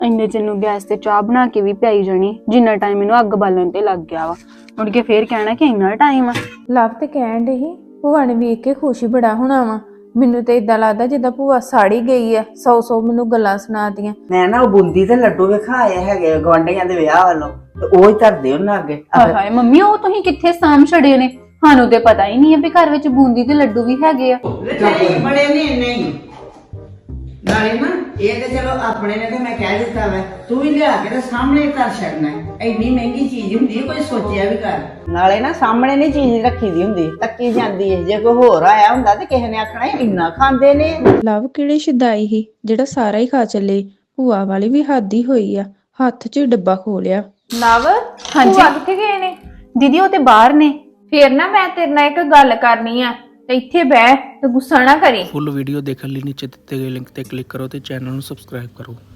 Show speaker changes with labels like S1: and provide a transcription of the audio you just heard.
S1: ਇੰਨੇ ਚ ਨੂੰ ਗੈਸ ਤੇ ਚਾਹ ਬਣਾ ਕੇ ਵੀ ਪਿਆਈ ਜਾਣੀ ਜਿੰਨਾ ਟਾਈਮ ਮੈਨੂੰ ਅੱਗ ਬਾਲਣ ਤੇ ਲੱਗ ਗਿਆ ਵਾ। ਮੁੜ ਕੇ ਫੇਰ ਕਹਿਣਾ ਕਿ ਇੰਨਾ ਟਾਈਮ ਆ।
S2: ਲਵ ਤੇ ਕਹਿਣ ਡਈ ਸੀ ਭੂਆ ਨੇ ਵੇਖ ਕੇ ਖੁਸ਼ ਹੀ ਬੜਾ ਹੋਣਾ ਵਾ। ਮੈਨੂੰ ਤੇ ਇਦਾਂ ਲੱਗਦਾ ਜਿੱਦਾਂ ਭੂਆ ਸਾੜੀ ਗਈ ਆ, 100 ਮੈਨੂੰ ਗੱਲਾਂ ਸੁਣਾਤੀਆਂ।
S3: ਮੈਂ ਨਾ ਉਹ ਬੂੰਦੀ ਤੇ ਲੱਡੂ ਵਿਖਾਏ ਹੈਗੇ ਗਵਾਂਢੀਆਂ ਦੇ ਵਿਆਹ ਵੱਲੋਂ, ਤੇ ਉਹ ਹੀ ਧਰਦੇ ਉਹਨਾਂ ਅੱਗੇ।
S1: ਹਾਏ ਹਾਏ ਮੰਮੀ, ਉਹ ਤੁਸੀਂ ਕਿੱਥੇ ਸਾਂਭ ਛੜੇ ਨੇ? ਸਾਨੂੰ ਤੇ ਪਤਾ ਹੀ ਨਹੀਂ ਹੈ ਵੀ ਘਰ ਵਿੱਚ ਬੂੰਦੀ ਤੇ ਲੱਡੂ ਵੀ ਹੈਗੇ ਆ।
S3: ਬੜੇ ਨੇ ਇੰਨੇ ਹੀ ਨਾਲੇ ਨਾ, ਇਹ ਤੇ ਚਲੋ ਆਪਣੇ ਨੇ ਤੇ ਮੈਂ ਕਹਿ ਦਿੱਤਾ ਵਾ, ਤੂੰ ਵੀ ਲਿਆ ਕੇ ਤੇ ਸਾਹਮਣੇ ਧਰ ਛੱਡਣਾ। ਐਡੀ ਮਹਿੰਗੀ ਚੀਜ਼ ਹੁੰਦੀ ਹੈ, ਕੋਈ ਸੋਚਿਆ ਵੀ ਕਰ। ਨਾਲੇ ਨਾ ਸਾਹਮਣੇ ਨਹੀਂ ਚੀਜ਼ ਰੱਖੀ ਦੀ ਹੁੰਦੀ, ਤੱਕੀ ਜਾਂਦੀ ਹੈ। ਜੇ ਕੋਈ ਹੋਰ ਆਇਆ ਹੁੰਦਾ ਤੇ ਕਿਸੇ ਨੇ ਆਖਣਾ ਇੰਨਾ ਖਾਂਦੇ ਨੇ।
S2: ਲਵ ਕਿਹੜੀ ਸ਼ਦਾਈ ਸੀ ਜਿਹੜਾ ਸਾਰਾ ਹੀ ਖਾ ਚੱਲੇ। ਭੂਆ ਵਾਲੀ ਵੀ ਹੱਦ ਹੀ ਹੋਈ ਆ, ਹੱਥ 'ਚ ਡੱਬਾ ਖੋਲਿਆ।
S4: ਨਵ
S1: ਹਾਂਜੀ।
S4: ਭੂਆ ਕਿੱਥੇ ਗਏ ਨੇ?
S1: ਦੀਦੀ ਉਹ ਤੇ ਬਾਹਰ ਨੇ।
S4: ਫੇਰ ਨਾ ਮੈਂ ਤੇਰੇ ਨਾਲ ਇੱਕ ਗੱਲ ਕਰਨੀ ਆ, ਤੇ ਇੱਥੇ ਬਹਿ ਤੇ ਗੁੱਸਾ ਨਾ ਕਰੀ।
S5: ਫੁੱਲ ਵੀਡੀਓ ਦੇਖਣ ਲਈ ਨੀਚੇ ਦਿੱਤੇ ਗਏ ਲਿੰਕ ਤੇ ਕਲਿੱਕ ਕਰੋ ਤੇ ਚੈਨਲ ਨੂੰ ਸਬਸਕ੍ਰਾਈਬ ਕਰੋ।